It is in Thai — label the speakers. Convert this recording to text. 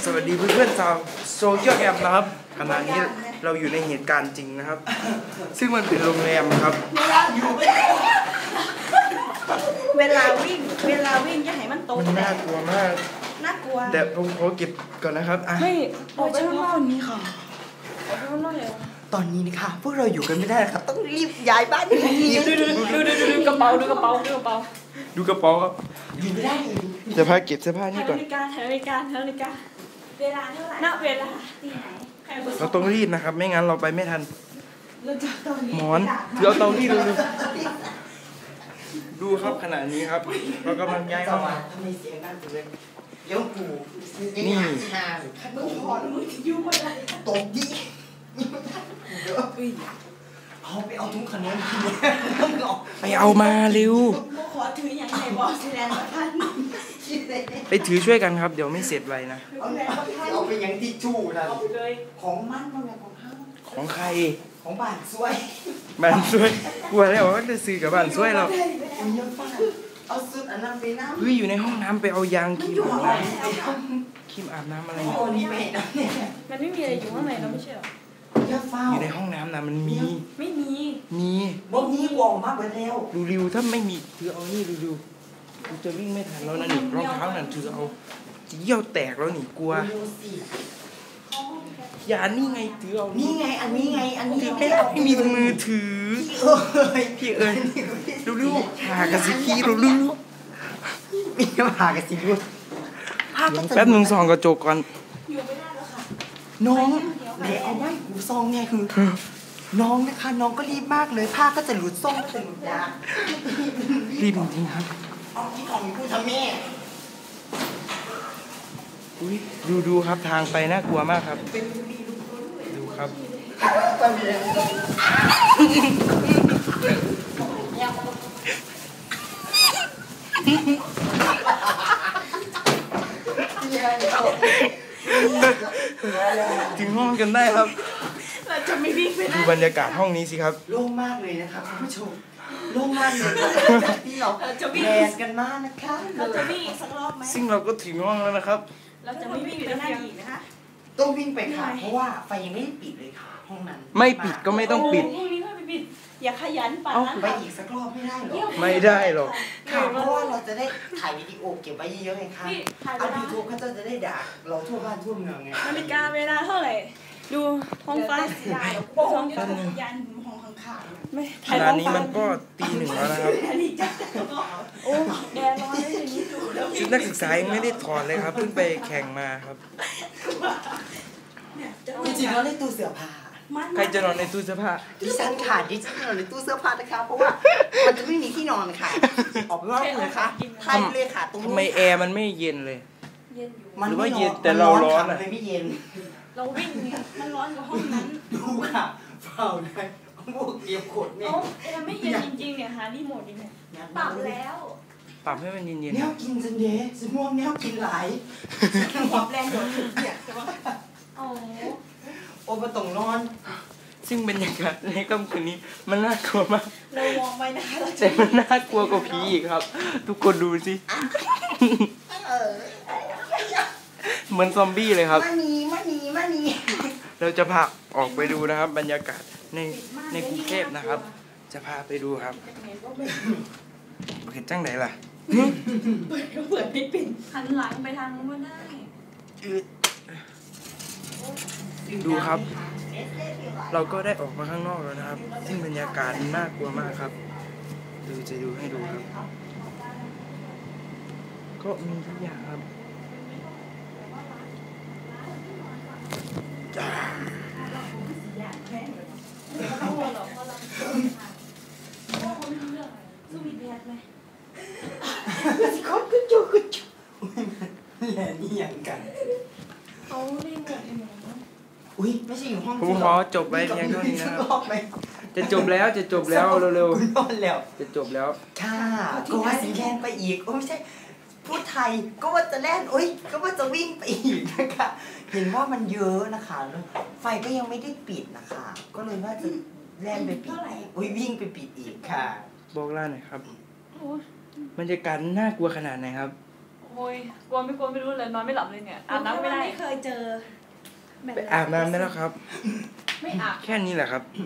Speaker 1: สวัสดีเพื่อนๆชาวโซเชียลแอปนะครับขณะนี้เราอยู่ในเหตุการณ์จริงนะครับซึ่งมันเป็นโรงแรมครับ
Speaker 2: เวลาวิ่งอย่าให้มันตก
Speaker 1: มันน่ากลัวมาก
Speaker 2: น่ากลัว
Speaker 1: แต่ผมขอเก็บก่อนนะครับ
Speaker 2: ไม่ออกไปข้างนอกนี้ค่ะออกไปข้างนอกเลย
Speaker 3: ตอนนี้นะคะพวกเราอยู่กันไม่ได้ครับต้องรีบย้ายบ้านดู
Speaker 2: กระเป๋าดูกระเป๋า
Speaker 1: ครับ
Speaker 3: อยู่ไม่ได้
Speaker 1: เสื้อผ้าเก็บเสื้อผ้านี่ก่อน
Speaker 2: นาฬิกาเวลาเท่าไหร่ณเวลาที่ไหน
Speaker 1: เราต้องรีบนะครับไม่งั้นเราไปไม่ทัน
Speaker 2: เราจะตอนนี้
Speaker 1: หมอนถือเอาเตารีดดูครับขณะนี้ครับเรากำลังย้ายห้อง
Speaker 3: ทำไมเสียงดังจังเลยเดี๋ยวกู
Speaker 1: นี่
Speaker 3: มึงถอนมึงจะยุ่งอะไรตกดิเอาไปเอาทุกขนมกิน
Speaker 1: ไปเอามาเร็ว
Speaker 2: ขอถืออย่างไรบอกสิแลนด์ท่าน
Speaker 1: ไปถือช่วยกันครับเดี๋ยวไม่เสร็จไวนะ
Speaker 3: เอาไปยังที่จู้นะของมัน
Speaker 1: ของใคร
Speaker 3: ของบ้านช่วย
Speaker 1: กลัวแล้วว่าจะซื้อกับบ้านช่วยเรา
Speaker 3: เอาซุดอันนั้นไปน้ำ
Speaker 1: อยู่ในห้องน้ำไปเอายางครีมอาบน้ำอะไร
Speaker 2: มันไม่มีอะไรอยู่ข้างในเราไม่ใช่หรอ
Speaker 1: อยู่ในห้องน้ำนะมันมี
Speaker 2: ไม่มี
Speaker 3: บ่มีวอมากไปแล้ว
Speaker 1: ริวถ้าไม่มีถือเอานี่ริวกูจะวิ่งไม่ทันแล้วนะนี่รองเท้านั่นถือเอาเยี่ยวแตกแล้วนี่กลัวอย่านี่ไงถือเอา
Speaker 3: นี่ไงอันนี้
Speaker 1: ถือไม่ได้ไม่มีมือถือพี่เอ๋ยริวหากันสิพี่ริว
Speaker 3: มีหากันสิพี่
Speaker 1: แป๊บนึงส่องกระจกก่อน
Speaker 3: น้องไหนเอาไว้หูซองไงคือน้องนะคะน้องก็รีบมากเลยผ้าก็จะหลุดซ่องก็จะหลุดยา
Speaker 1: รีบจริงครับ
Speaker 3: เอาที่ของพูดทำแม่
Speaker 1: ดูครับทางไปน่ากลัวมากครับดูครับถึงห้องกันได้ครับ
Speaker 2: เราจะไม่วิ่งไป
Speaker 1: ดูบรรยากาศห้องนี้สิครับ
Speaker 3: โล่งมากเลยนะครับคุณผู้ชมโล่งมากเลยที่เราแดดกันมากนะคะ
Speaker 2: เราจะวิ่งสักรอบไหม
Speaker 1: ซึ่งเราก็ถึงห้องแล้วนะครับ
Speaker 2: เราจะไม่วิ่งไปหน้าอีกนะคะ
Speaker 3: ต้องวิ่งไปค่ะเพราะว่าไฟยังไม่ได้ปิดเลยค่ะห้องนั้น
Speaker 1: ไม่ปิดก็ไม่ต้องปิด
Speaker 2: ห้องนี้ไม่ปิดอย่าขยันป่ะ
Speaker 3: ไปอีกสักรอบไม่ได้หรอ
Speaker 1: ไม่ได้หรอก
Speaker 3: ค่ะเพราะว่าเราจะได้ถ่ายวิดีโอเก็บไว้เยอะๆไงคะเอายูทูบเขาจะได้ด่าเราทั่วบ้านทั่วเมืองไง
Speaker 2: นาฬิกาเวลาเท่าไหร่ดูท้องฟ้าโป่งยันห้องข้างๆไม่
Speaker 1: ขณะนี้มันก็ตีหนึ่งแล้วนะครับ
Speaker 2: โอ้แดดร้อนเลยอย่างนี้ดูแล้ว
Speaker 1: ชุดนักศึกษายังไม่ได้ถอดเลยครับเพิ่งไปแข่งมาครับ
Speaker 3: จริงๆเราได้ตู้เสื้อผ้า
Speaker 1: ใครจะนอนในตู้เสื้อผ้า
Speaker 3: ดิฉันค่ะดิฉันนอนในตู้เสื้อผ้านะคะเพราะว่ามันจะไม่มีที่นอนค่ะออกไปว่าเลยค่ะไทยเลยค่ะตรงนี้
Speaker 1: ทำไมแอร์มันไม่เย็นเลย
Speaker 2: เย็นอยู่
Speaker 1: หรือว่าเย็นแต่เราร้อน
Speaker 3: อะไม่เย็น
Speaker 2: เราวิ่งมันร้อนกว่าห้องนั้น
Speaker 3: ดูค่ะเฝ้าได้พวกเก็บขดเนี่ย
Speaker 2: แอร์ไม่เย็นจริงๆเนี่ยหารีโมทดิเนี่ยปรับแล้ว
Speaker 1: ปรับให้มันเย็น
Speaker 3: แนวกินสันเดย์สม่วงแนวกินหลาย
Speaker 2: ปรับแรงโดดเนี่ยใช่ไหม
Speaker 3: โอ้มาตรงนอน
Speaker 1: ซึ่งบรรยากาศในค่ำคืนนี้มันน่ากลัวมาก
Speaker 2: เรามองไปนะคะ
Speaker 1: แต่มันน่ากลัวกว่าผีอีกครับทุกคนดูสิเหมือนซอมบี้เลยครับ
Speaker 3: มานี
Speaker 1: เราจะพาออกไปดูนะครับบรรยากาศในกรุงเทพนะครับจะพาไปดูครับเห็นจังไหนล่ะ
Speaker 2: เปิดไม่ปิดหันหลังไปทางนู้นได้
Speaker 1: ดูครับเราก็ได้ออกมาข้างนอกแล้วนะครับซึ่งบรรยากาศน่ากลัวมากครับจะดูให้ดูครับก็มีทุกอย่างครับ
Speaker 3: แหล่นี่อย่างกัน
Speaker 2: เขาเล่นกัน
Speaker 3: อุ้ยไม่ใช่อยู่ห้อง
Speaker 1: ผมขอจบไว้เพียงเท่านี้นะครับจะจบแล้วเร็ว
Speaker 3: ๆนอนแล้ว
Speaker 1: จะจบแล้ว
Speaker 3: ค่ะก็ว่าสิแล่นไปอีกโอ้ไม่ใช่พูดไทยก็ว่าจะแล่นก็ว่าจะวิ่งไปอีกนะคะเห็นว่ามันเยอะนะคะไฟก็ยังไม่ได้ปิดนะคะก็เลยว่าจะแล่นไปปิดวิ่งไปปิดอีกค่ะ
Speaker 1: บอกเล่าหน่อยครับบรรยากาศน่ากลัวขนาดไหนครับ
Speaker 2: โอ้ยกลัวไม่รู้เลยนอนไม่หลับเลยเนี่ยอาบน้ำไม่ได้
Speaker 4: ไม่เคยเจอ
Speaker 1: ไปอาบน้ำได้แล้วครับ
Speaker 2: ไม่อาบ
Speaker 1: แค่นี้แหละครับ